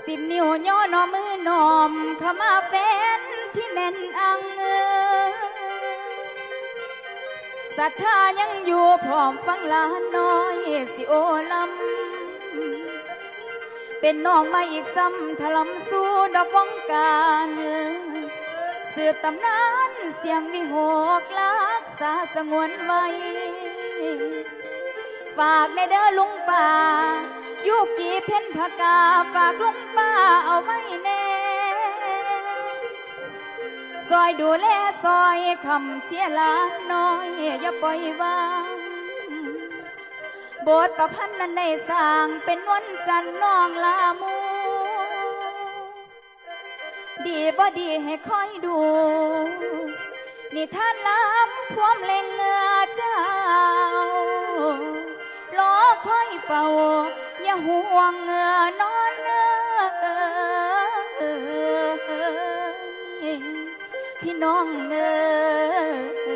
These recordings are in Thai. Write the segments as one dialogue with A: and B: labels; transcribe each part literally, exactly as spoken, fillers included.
A: สิบนิ้วย่อนอมือนอมเข้ามาแฟนที่แน่นอังเงศรัทธายังอยู่พร้อมฟังลานน้อยสิโอลำเป็นน้องมาอีกซ้ำถลำสู่ดอกวงการสืบตำนานเสียงวิหกลักษาสงวนไว้ฝากในเด้อลุงป่ายุกีเพ่นผกาฝากลุงป้าเอาไว้แน่ซอยดูแลซอยคำเชียร์ลานน้อยอย่าปล่อยวางบทประพันธ์นั้นได้สร้างเป็นวันจันทร์น้องลามูดีบ่ดีให้คอยดูนี่ท่านล้ำพวมเล็งเงือเจ้ารอคอยเฝ้าอย่าห่วงเงือนอนเนื้อพี่น้องเงือ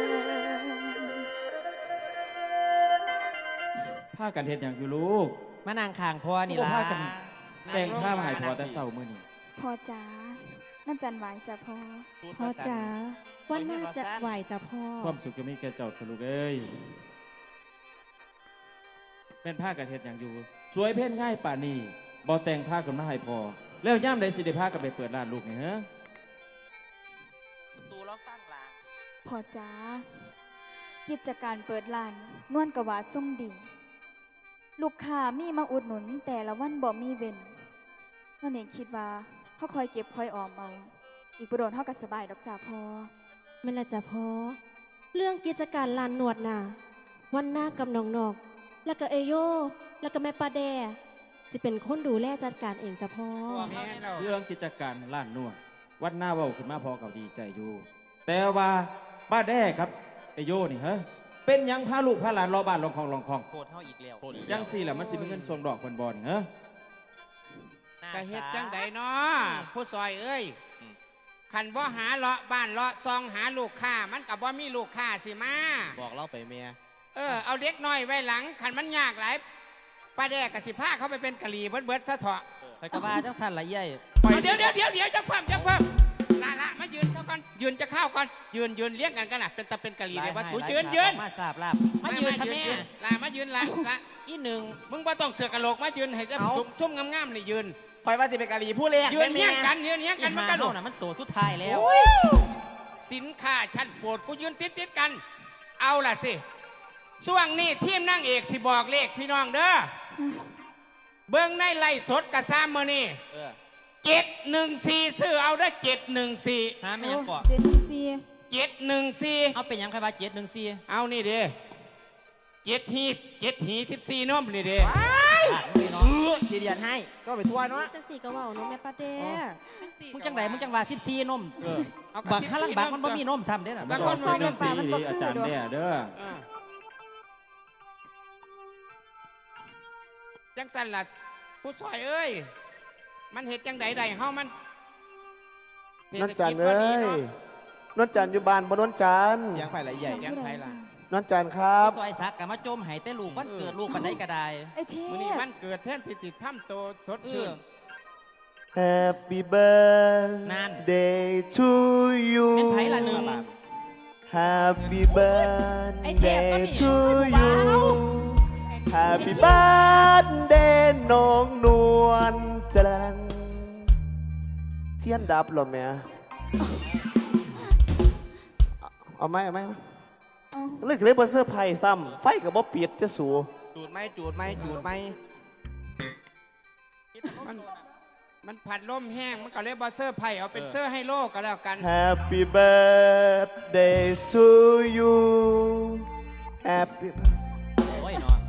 B: ผ้ากันเฮ็ดอย่างอยู่ลูก
C: มานางคางพ่อนี่ล่ะ
B: ผ้ากันแต่งข้าวให้พอแต่เศร้ามื้อนี้
A: พ่อจ๋านั่นจันไหวจ้ะพ่อ
D: พ่อจ๋าวันน่าจะไหวจ้ะพ่อ
B: ความสุขจะมีแก่เจ้าลูกเอ้ยเป็นผ้ากันเฮ็ดอย่างอยู่สวยเพ่นง่ายป่านี้บ่แต่งผ้ากันมาให้พอแล้วย่ำใดสิได้ผ้ากันไปเปิดร้านลูกนี่ฮะ
C: สู่ร้องตั้งหลัง
A: พ่อจ๋ากิจการเปิดร้านนวลกะว่าส่งดีลูกค้ามีมาอุดหนุนแต่ละวันบ่มีเว้นนั่นเองคิดว่าเขาคอยเก็บคอยออมเอาอีกประโดนเท่ากับสบายดอกจ่าพอ
D: ไม่ละจ้ะพ่อเรื่องกิจการลานนวดน่ะวันหน้ากับน้องนอกแล้วก็เอโยแล้วก็แม่ปลาแดจะเป็นคนดูแลจัดการเองจ้ะพ่อ
B: เรื่องกิจการร้านนวดวัดหน้าเว้าขึ้นมาพอกับดีใจอยู่แต่ว่าป้าแด้ครับไอโยนี่ฮะเป็นยังพาลูกพาหลานรอบ้านรองคองรองคอง
C: โคตรเท่าอีกแล้ว
B: ยังสี่แหละมันสิมีเงินส่งดอกบอลบอลฮะ
E: กะเฮ็ดจังใดเนาะผู้ซอยเอ้ยขันว่าหาเลาะบ้านเลาะซองหาลูกค้ามันกับว่ามีลูกค้าสิมา
C: บอกเล่าไปเมีย
E: เออเอาเด็กน้อยไว้หลังขันมันยากหลายป้าแดกกับสิผ้าเขาไปเป็นกะหรี่เบิดเบิดซะเถอะ
C: ไปกระบ้าจังสันละเย่
E: เดี๋ยวเดี๋ยวเดี๋ยวเดี๋ยวจะฟังจะฟังละละมายืนซะก่อนยืนจะเข้าก่อนยืนยืนเลี้ยงกันกันนะเป็นตะเป็นกะหรี่เลยว่าถูยืนยืน
C: มาสาบลาบ
E: มายืนทำแม่ละมายืนละละ
C: อีหนึ่ง
E: มึงว่าต้องเสือกระโหลกมายืนให้จะชุ่มงามๆนี่ยืน
F: คอยว่าสิเป็นกะหรี่ผู้เลี้ยง
E: ยืนเลี้ยงกันยืนเลี้ยงกันมันกระโดด
C: น่ะมันตัวสุดท้ายแล้ว
E: สินค้าชั้นโปรดกูยืนติดติดกันเอาล่ะสิช่วงนี้ทีมนั่งเอกสิบอกเลขพี่น้องเด้อเบิ้งในไล่สดกระซ้ำมือนี่เจ็ดหนึ่งสี่ซื้อเอาได้เจ็ดหนึ่งสี่
C: ฮะไม่ยังก่อ
A: เจ็ดหนึ่งสี่
E: เจ็ดหนึ่งสี่
C: เอาเป็นยังใครว่าเจ็ดหนึ่งสี่
E: เอานี่เด้เจ็ดฮีเจ็ดฮีสิบสี่น้อมนี่เด้
F: ทีเดียนให้ก็ไปทั่วเนาะ
D: จังสี่กระว่าน้องแม่ปลาแด
C: มึงจังไหนมึงจังว่าสิบสี่นมบักข้างล่างบักมันบ่มีนมซ้ำเด้น่ะ
A: มันบ่ซ้ำน้ำปลามันบ่คือ
B: อาจารย์แด้เด้อ
E: จังสันล่ะผู้ซอยเอ้ยมันเห็ดจังใดใดเฮามัน
F: นนจันเอ้ยนนจันอยู่บ้านบ่นนจัน
E: เสียงไผ่ละใหญ่เสียงไผ่ละ
F: นนจันครับ
C: ซอยซักกะมาจมหายแต่ลูกมันเกิดลูกมันได้กระได
A: ไอ้เทพ
E: มื้อนี้มันเกิดแทนที่ติทํโตสดชื่น
F: Happy birthday to you
C: เป็นไผ่ละหนึ่ง
F: Happy birthday to you Happy birthday น้องนวลจันเทียนดับหรอแม่เอาไหมเอาไหมเลิกเลยบอเซอร์ไพ่ซ้ำไฟกับบ๊อบปิดจะสูจูดไหมจูดไหมจูดไหม
E: มันมันผัดลมแห้งมันก็เลยบอเซอร์ไพ่เอาเป็นเซอร์ให้โลกก็แล้วกัน
F: Happy birthday to you Happy
C: โอ้ยเนาะ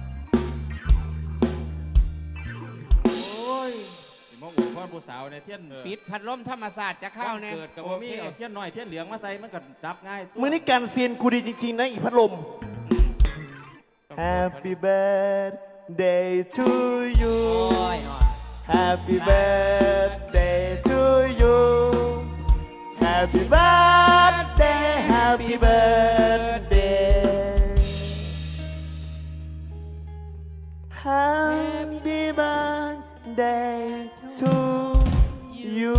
B: โอ้ยมองหัวพ่อผู้สาวในเทียน
E: ปิดผัดลมธรรมศาสตร์จะเข้าเนี่ย
B: เกิดกับว่ามีเอาเทียนหน่อยเทียนเหลืองมาใส่มันก็ดับง่าย
F: มือนี้การเซียนกูดีจริงๆนะอีพัดลม Happy birthday to you Happy birthday to you Happy birthday Happy birthday Happy birthday to you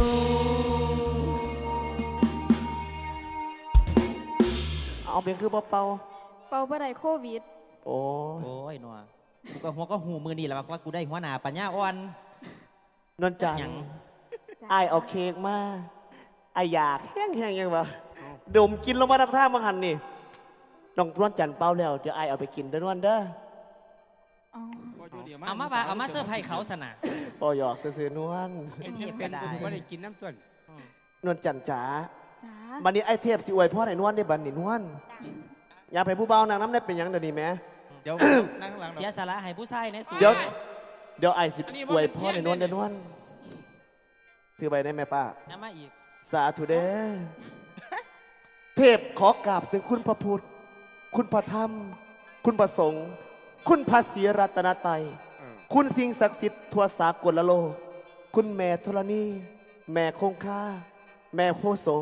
F: เอาเป็นคือเป่า
A: เป่าบ่ได้โควิด
F: ๆโอ้ย
C: โอ้ยหนัวกูก็หัวก็หูมือนี่แหละว่ากูได้หัวหน้าปัญญาอ่อน
F: นวลจันท
C: หยัง
F: ร์
A: จ้ะ
F: ไอายเอาเค้กมาไอายอยากแห้งๆยังวะดมกินลงมาทักท่ามังหันนี่น้องนวลจันทร์เป่าแล้วเดี๋ยวไอายเอาไปกินเด้อนวลเด้อ
A: อ๋อ
C: เอามาว่าเอามาเสื้อร์ไผ่เขาสนะ
F: ปอหยอกซื่อๆนวล
C: ไอ้เทพ
E: เป็
C: ก็
E: น
C: ได้
E: กูถือว่าได้กินน้ำต้น
F: นวลจันทร์จ๋า
A: จ้า
F: บันนี้ไอเทพสิอวยพ่อไหนนวลได้บันนี่นวลอยากไปผู้เบานางน้ำได้เป็นหยังเดี๋ยวนี้แหม่
G: เดี๋ยว นั่งข้างหลัง
C: เสียสาระให้ผู้ชายในสูง
F: เดี๋ยวเดี๋ยวไอสิอวยพ่อไหนนวลเด้อนวลถือไปได้ไหมป้า
C: น้ำมาอีก
F: สาธุเด้อ เทพขอกราบถึงคุณพระพุทธ คุณพระธรรม คุณพระสงฆ์ คุณพระศรีรัตนตรัย คุณสิ่งศักดิ์สิทธิ์ทั่วสากลโลก คุณแม่ธรณี แม่คงคาแม่โพโส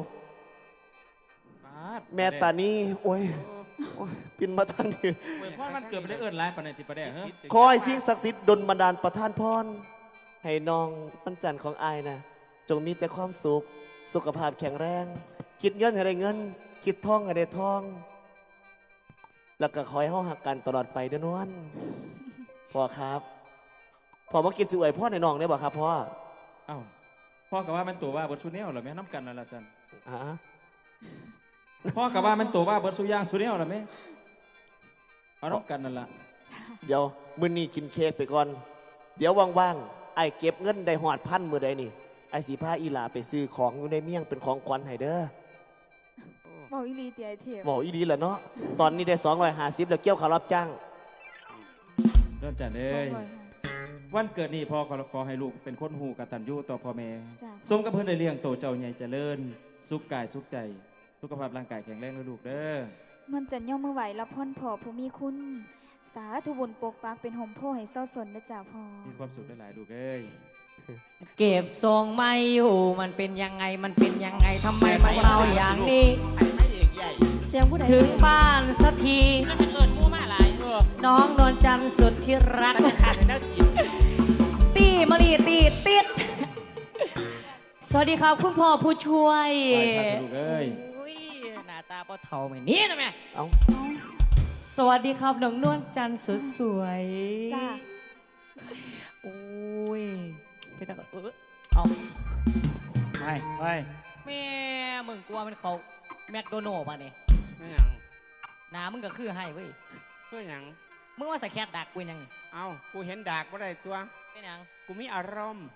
F: แม่ตานีโอ้ยโอ้ยปินมาทางนี้
B: เว้ยพ่อมันเกิดไปได้เอิ้นร้ายปานในติประเดี๋ยวเฮ้ย
F: คอยสิ่งศักดิ์สิทธิ์ดลบันดาลประทานพร ให้น้องวันจันทร์ของอายนะจงมีแต่ความสุข สุขภาพแข็งแรง คิดเงินให้ได้เงิน คิดทองให้ได้ทอง แล้วก็คอยเฮาหักกันตลอดไปเด้อนวลพ่อครับพ่อมากินสิอวยพ่อในน้องได้บ่ครับพ่อ
B: เอ้าพ่อกับว่ามันตัวว่าเบิร์ดซูเนียลเหรอแม่น้ำกันนั่นละสัน
F: อ่า
B: พ่อกับว่ามันตัวว่าเบิร์ดซูย่างซูเนียลเหรอแม่เอาน้ำกันนั่นละ
F: เดี๋ยวมื้อนี้กินเค้กไปก่อน เดี๋ยวว่างๆไอ้เก็บเงินได้หอดพันมื้อใดนี่ไอ้สีผ้าอีหลาไปซื้อของอยู่ในเมี่ยงเป็นของขวัญให้เด้อ
A: เบาอีหลีเตียไอเทพ
F: บอกอีดีแหละเนาะตอนนี้ได้สองร้อยห้าสิบแล้วเกี่ยวขารับจ้าง
B: เริ่มจัน
A: ส
B: เอ้
A: อง
B: ย
A: ร้อยห้าสิบ
B: วันเกิดนี่พ่อขอขอให้ลูกเป็นคนหูกตัญญูต่อพ่อแม่
A: จ้ะ
B: สมกับเพื่อนได้เลี้ยงโตเจ้าใหญ่เจริญ สุขกายสุขใจ สุขภาพร่างกายแข็งแรงนะลูกเด้อ
A: มันจันย่อมมือไหวรับพ่อนพ่อผู้มีคุณ สาธุบุญปกปักเป็นห่มโพให้เศร้าสนนะจ้าพ่อ
B: มีความสุขได้หลายๆลูกเอ้ย
C: เก็บทรงไม่อยู่มันเป็นยังไงมันเป็นยังไงทำไมมันเราอย่างนี้
E: ไข่ไม่เอกใหญ่
D: เสียงผู้ใด
C: ถึงบ้านสักทีน้องนวลจันทร์สุดที่รัก
E: ขาดในน้ำกิน
C: ตีมะลีตีติด สวัสดีครับคุณพ่อผู้ช่วย
B: ไปครับลูกเอ้ย
C: อุ้ยหน้าตาพ่อเท่าไม่นี่นะแม่
F: เอ้า
C: สวัสดีครับน้องนวลจันทร์สุดสวย
A: จ้า
C: โอ้ยไปตาก่อนเออเอา
G: ไม่ไม่
C: แม่มึงกลัวมันเขาแมคโดนัลด์ป่ะเนี่ย
E: ไม่หยัง
C: หน้ามึงก็คือให้เว้ย
E: เพื่อหยัง
C: มึงว่าใส่แคทดักกูยังไง
E: เอากูเห็นดากว่าได้ตัว
C: เป็นยัง
E: กูมีอารมณ์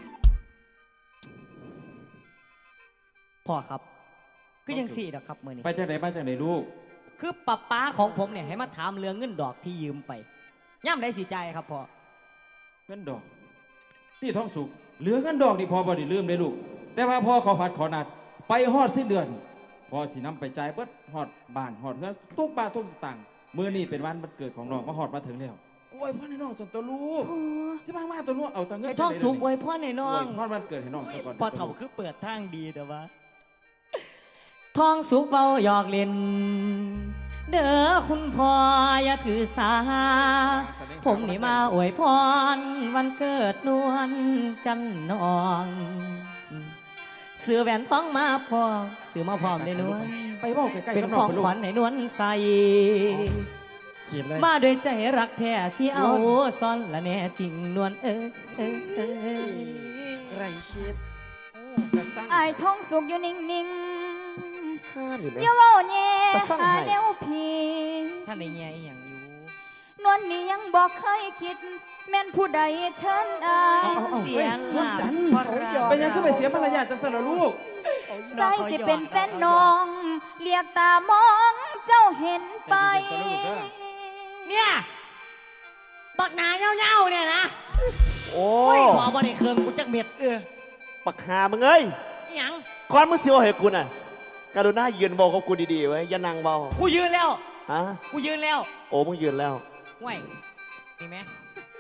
C: พ่อครับ คือยังสี่ดอกครับมือนี้
B: ไปจากไหนมาจากไหนลูก
C: คือป้าป้าของผมเนี่ยให้มาถามเรื่องเงินดอกที่ยืมไปย่ำได้สีใจายครับพ่อ
B: เงินดอก นี่ท้องสุกเหลือเงินดอกนี่พอบ่ได้ลืมเลยลูก แต่ว่าพ่อขอฝัดขอนัด ไปฮอดสิ้นเดือนพอสินำไปจ่ายเบิดฮอดบ้านฮอดเงินทุกบาททุกสตางค์มื้อนี้เป็นวันวันเกิดของน้องมาฮอดมาถึงแล้วโอ้ยพ่อให้น้องส่วนตัวลูก
A: โอ้
B: จะมามาตัวนู้นเอาตังเงิน
C: ไอ้ท้องสูงไว้พ่อในน้อง
B: ฮอดวันเกิดให้น้องซะก่อน
C: พอเถ่าคือเปิดทางดีแต่ว่าท้องสุกเบาหยอกเล่น เด้อคุณพ่ออย่าถือสา ผมนี่มาอวยพรวันเกิดนวลจันนองเสือแหวนท้องมาพอซื้อมาพร้อมในนวล
B: ไปเว้าใกล้ๆ
C: เป็น
B: กับ
C: ข
B: น้อ
C: อง ง
B: ไปลู
C: ข
B: ก
C: วัญในนวลใส
G: จีบเลย
C: มาด้วยใจรักแท้สิเอาซ่อนละแน่จริงนวลเอ้ยเอ้ยเอ้ย
G: ไรชิด
E: กระซัง
A: ไอายท้องสุกอยู่นิ่ง
F: ห้านี่ไหม
A: ๆอย่าเว้าแย่
F: ตะสั่ง
A: หา
F: ให้
A: แนวพี
C: ท่านในแง่อหย่างอยู่
A: นวลนี่ยังบอกเคยคิด แม่นผู้ใดเชิญอาย
C: เสียงหลับ
B: เป็นยังขึ้นไปเสียมารยาทจังซั่นล่ะลูก
A: ใส่สิเป็นแฟนน้อง เรียกตามองเจ้าเห็นไป
C: เนี่ยบักหนาเง่าๆเนี่ยนะ
F: โอ้
C: โอ้ยพอบ่ได้เครื่องกูจักเม็ดเออ
F: ปักหามึงเอ้ย
C: อิหยัง
F: ก่อนมึงเสียวให้กูน่ะกรุณายืนบอกกับกูดีๆไว้อย่านั่งเบา
C: กูยืนแล้ว
F: ฮะ
C: กูยืนแล้ว
F: โอ้มึงยืนแล้ว
C: ห่วยนี่ไหม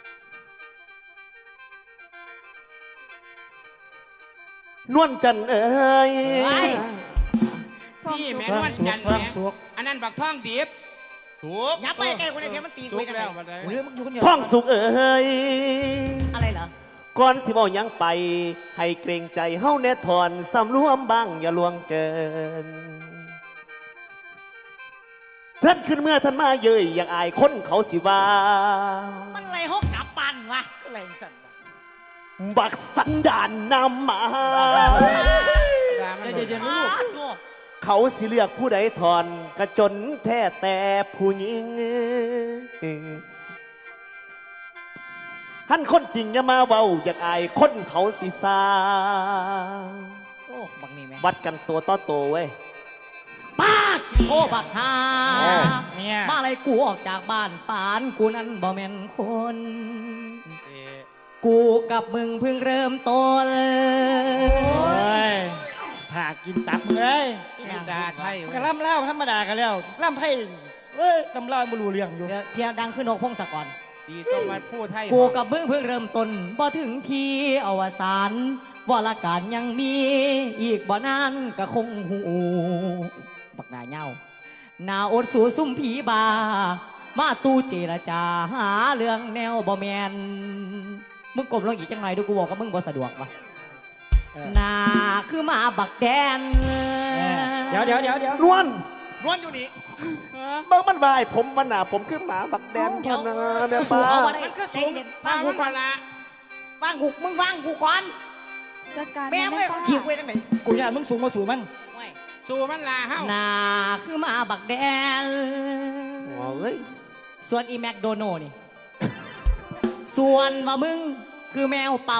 F: นวลจันทร์เอ้ย
A: ท้อง
E: พี่
A: สุก
E: แม่นวลจันทร์แม่อันนั้นบักท่องดิบ
G: ถูก
C: ยับไปใกล้กูในเทียมันตี
E: สุ
C: กู
E: ก
C: ได้
E: แล้ว
C: ไง
E: บัดนี้
G: เฮ้ยมึงอยู่คนเดียว
F: ท้องสุกเอ้ย
C: อะไรเหรอ
F: ก่อนสิบอกยังไป ให้เกรงใจเฮาแน่ถอนสำรวมบ้างอย่าลวงเกินฉันขึ้นเมื่อท่านมาเย้ยอยากอายคนเขาสิว่า
C: มันไรฮกกลับปันวะ
G: ก็แรงสั่นว่ะ
F: บักสันดานนำมา
E: ด่ามัน
B: เย็นๆลูก
C: อ้าวโถ่
F: เขาสิเลือกผู้ใดถอนกระจนแท้แต่ผู้หญิงท่านคนจริงอย่ามาเว้าอยากอายคนเขาสิซา
C: โอ้บักนี่แม่
F: วัดกันตัวต่อตัวเว้ย
C: ป้าดโอ้บักฮา
G: เนี่ย
C: มาอะไรกูออกจากบ้านปานกูนั้นบ่แม่นคน
E: เอ๊ะ
C: กูกับมึงเพิ่งเริ่มต้น
G: โอ้ยผ่ากินตับมึงเลย
E: นี่ด่าไทย
G: ก็ล่ำเล่าธรรมดากันแล้วล่ำไทยเอ้ยล่ำเล่าไม่รู้เรื่องอยู่
C: เดี๋ยวเทียดังขึ้นนกพงศกร
E: ดีต้องมาพูดไทย
C: กูกับมึงเพิ่งเริ่มต้นบ่ถึงทีอวสานวรการยังมีอีกบ่นานก็คงหูบักหน้าเหย้าหน้าอดสู่ซุ่มผีบา มาตู้เจรจาหาเรื่องแนวบ่แมนมึงกลมลงอีกจังหน่อยดูกูบอกกับมึงบ่สะดวกวะ
G: เออ
C: หน้าคือหมาบักแดน
G: เดี๋ยวเดี๋ยวเดี๋ยวเดี๋ยวน
F: วล
E: นวลอยู่นี่
F: เบิ่งมันวายผมวันหนาผมคือหมาบักแดนพะนะเนี่ย
C: สู้
F: ป้า
C: เขาบ่ได้
E: มันก็สูง
C: เย็นๆ
E: บ้า
C: ว่าง งกู
E: กู
C: ก่อน
E: ละ
C: ว่างกูมึงว่างกูก่อน
A: จัดการ
C: แม่ง
A: น
C: เลย
A: จ้า
C: ขี่กูไปทางไหน
G: กูอยากมึงสูงมาสู่มัน
E: สู้มันลาเฮ้า
C: หน้าคือหมาบักแดน
F: อ๋อเอ้ย
C: ส่วนอีแม็กโดนัลด์นี่ ส่วนว่ามึงคือแมวเป่า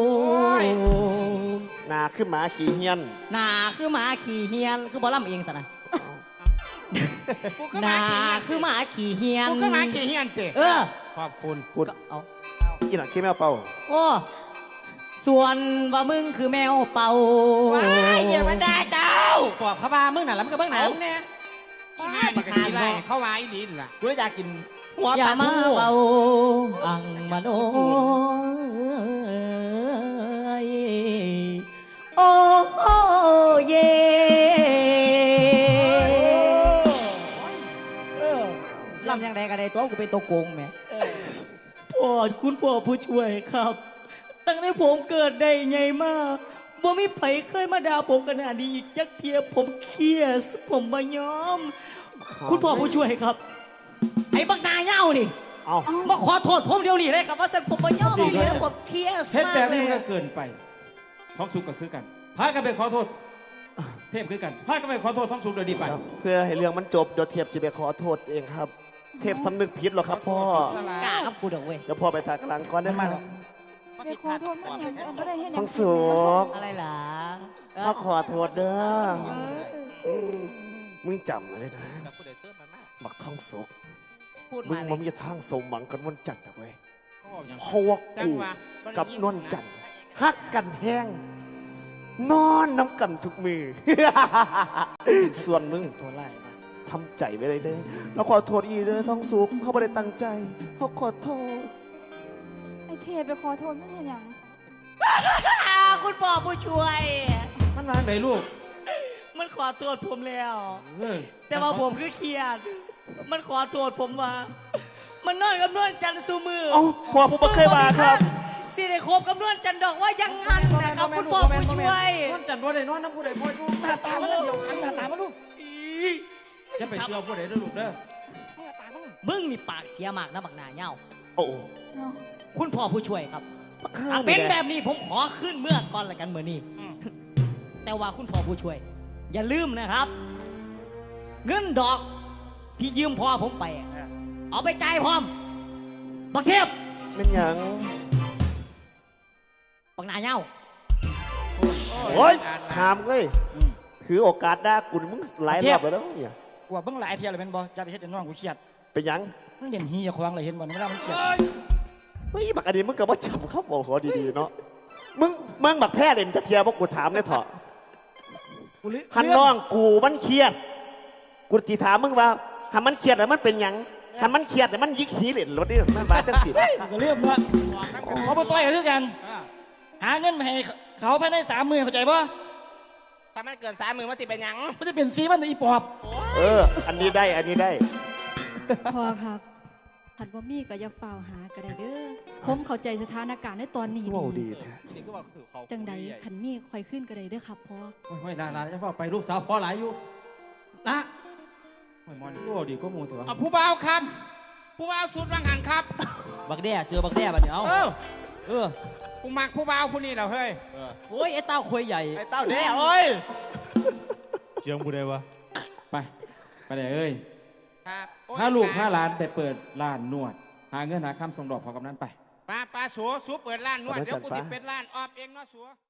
F: หนาคือหมาขี่เฮียน
C: หน้าคือหมาขี่เฮียน คือบอลล่ำเองสนะ
E: กูก็
C: ห
E: มา
C: น้า
E: ขี่เฮียน
C: คือหมาขี่เฮียน
E: กูก็มาขี่เฮียนเตะ
C: เออ
E: ขอบคุณ
F: กู
C: ก็เอา
F: กินหนังขี้แมวเป่า
C: โอ้ส่วนว่ามึงคือแมวเป่า
E: ว้ายอย่ามาด่าเจ้า
C: ปอบเขาบ้ามึงน่ะแล้วมึงก็เบิ่งหนั
E: เอา
C: ง
E: เนี่ยที่ห้านี่ก็ขี่ไล่เข้ามาอีดินล่ะ
C: กูเลยอยากกินหัวอย่ามาเป่าอังมาโนยโอ้เย
G: เออ
C: ลำยังไงกันในตัวกูเป็นตัวโกงแหม่
G: เออ
C: พ่อคุณพ่อผู้ช่วยครับ ตั้งแต่ผมเกิดได้ไงมาบ่มีไผเคยมาด่าผมขนาดนี้อีกจักเทียผมเครียดผมมายอม คุณพ่อผู้ช่วยครับ ไอ้บักนาเหย้านี่
F: เอา
C: มาขอโทษผมเดี๋ยวนี้เลยครับว่าสันผมมายอมนี่เลยแล้วผมเครียด
B: เฮ็ด
C: มาก
B: แบบ
C: เล
B: นี้
C: ย
B: มันก็เกินไปท้องสุกก็คือกันพากันไปขอโทษ เทพคือกันพากันไปขอโทษท้องสุกโดยดีไป
F: เพื่อให้เรื่องมันจบเดี๋ยวเทพสิไปขอโทษเองครับ เทพสำนึกผิดหรอกครับพ่อก
C: ล้าครับกูเด้อเว้ย
F: เดี๋ยวพ่อไปถากหลังก่อนนะครับ
A: ไปขอโทษมันอย่างอันก็ได้เห็น
F: ท้องสุก
C: อะไรล่ะ
F: มาขอโทษเด้อมมึงจำไว้เลยนะบักท้องสุก
C: พูด
F: มึ
C: มาง เล
F: มัน
C: ย
F: มีทางสมหวังกันวันจันทร์นะเว้ย
B: อย่าง
F: เพราะว่า
E: จัง
F: กู
E: หวะ
F: กับนวลจันทร์ฮักกันแห้ง นอนน้ำกันทุกมือ ส่วนมึง
G: ตัวไล่มา
F: ทำใจไว้เลยเด้อเราขอโทษอีเด้อท้องสุกเขาไม่ได้ตั้งใจเขาขอโทษ
A: ไอเทพไปขอโทษมันเห็นอย่าง
C: คุณพ่อผู้ช่วย
B: มันวางไหนลูก
C: มันขอโทษผมแล้ว
B: เออ
C: แต่ว่าผมคือเครียด มันขอโทษผมว่า มันนอนกับนวลจันทร์ซูมือ
F: เอ้าพ่อผมไม่เคยมาครับ
C: สิได้คบกับนวลจันทร์ดอกว่ายังงั้นนะครับคุณพ่อผู้ช่วย
B: นอนจันทร์บ่ได้นอนน้ำผู้ใดพ่อลูก
G: หน้าตามันเดียวกันหน้าตามันลูก
B: อย่าไปเชื่อผู้ใดเด้อลูกเด้อ
G: หน้าตามัน
C: มึงนี่ปากเสียมากนะบักหนาเหย้า
F: โอ้
A: เนาะ
C: คุณพ่อผู้ช่วยครับ
F: ปากข้า
C: อ่ะ
F: ว
C: เป็น
F: ย
C: แบบนี้ผมขอขึ้นเมื่อก่อนละกันเมื่อนี้ แต่ว่าคุณพ่อผู้ช่วย อย่าลืมนะครับ เงินดอกที่ยืมพ่อผมไปอะเอาไปจ่ายพร้อมบักเทพ
F: เป็นหยัง
C: บักหนาเหย้า
F: โอ้ยถามเลยถือโอกาสด่ากูนี่มึงหลายรอบแล้วนะเนี่ย
G: กว่าเบิ่งหลายเที่ยวเลยเป็นบ่จะไปเฮ็ดให้น้องกูเครียด
F: เป็นหยัง
G: มันเด่นฮีควางเลยเห็นบ่เวลามันเครียด
F: เฮ้ยบักอันนี้มึงกับว่าจำครับบอกขอดีๆเนาะมึงมึงบักแพ้เด่นจะเทียบพวกกูถามเลยเถอะ
G: กูลืม
F: หันน้องกูมันเครียด กูตีถามมึงว่าหันมันเครียดแล้วมันเป็นหยังหันมันเครียดแล้วมันยิกขี้เหร่รถนี่มันบาดจังสิ
G: กูก็เลื่อมว่าเขาไปซอยกันด้วยกัน หาเงินมาให้เขาภายในสามหมื่นเข้าใจป่ะ
E: ถ้ามันเกินสามมือมันสิเป็นหยัง
G: มันจะเป็นซีมันอีปอบ
F: เออ อันนี้ได้อันนี้ได้
D: พอครับผัดบ่มีก็อย่าเฝ้าวหาก็ได้เด้อ
H: ผมเข้าใจสถานการณ์ในตอนนี้
F: ว้าว
H: ดี
F: ดีแท้
H: จังใดขันมีคอยขึ้นก็ได้เด้อครับพ่อ
B: โอ้ยโอ้ยลาลาจะฟ้าไปลูกสาวพ่อหลายอยู่ละโอ้ยหมอนี่ก็ดีก็มูเถอะวะ
E: เอาผู้บ่าวครับ ผู้บ่าวสุดวังหันครับ
C: บักแด้เจอบักแด้บัดนี้เอา
E: เออ
C: เออ
E: ผู้มักผู้บ่าวผู้นี้เหรอเฮ้ย
C: โอ้ยไอ้เต้าควยใหญ่
F: ไอ้เต้าแด้โอ้ย
I: เจียงบูได้วะ
B: ไปไปเลยเอ้ย
E: ครับโอ้ย
B: ถ้าลูกถ้าหลานไปเปิดร้านนวด หาเงินหาคำส่งดอกพอกำนั้นไป
E: ป้าป้าสัวสัวเปิดร้านนวด เดี๋ยวกูจะเป็นร้านออบเองเนาะสัว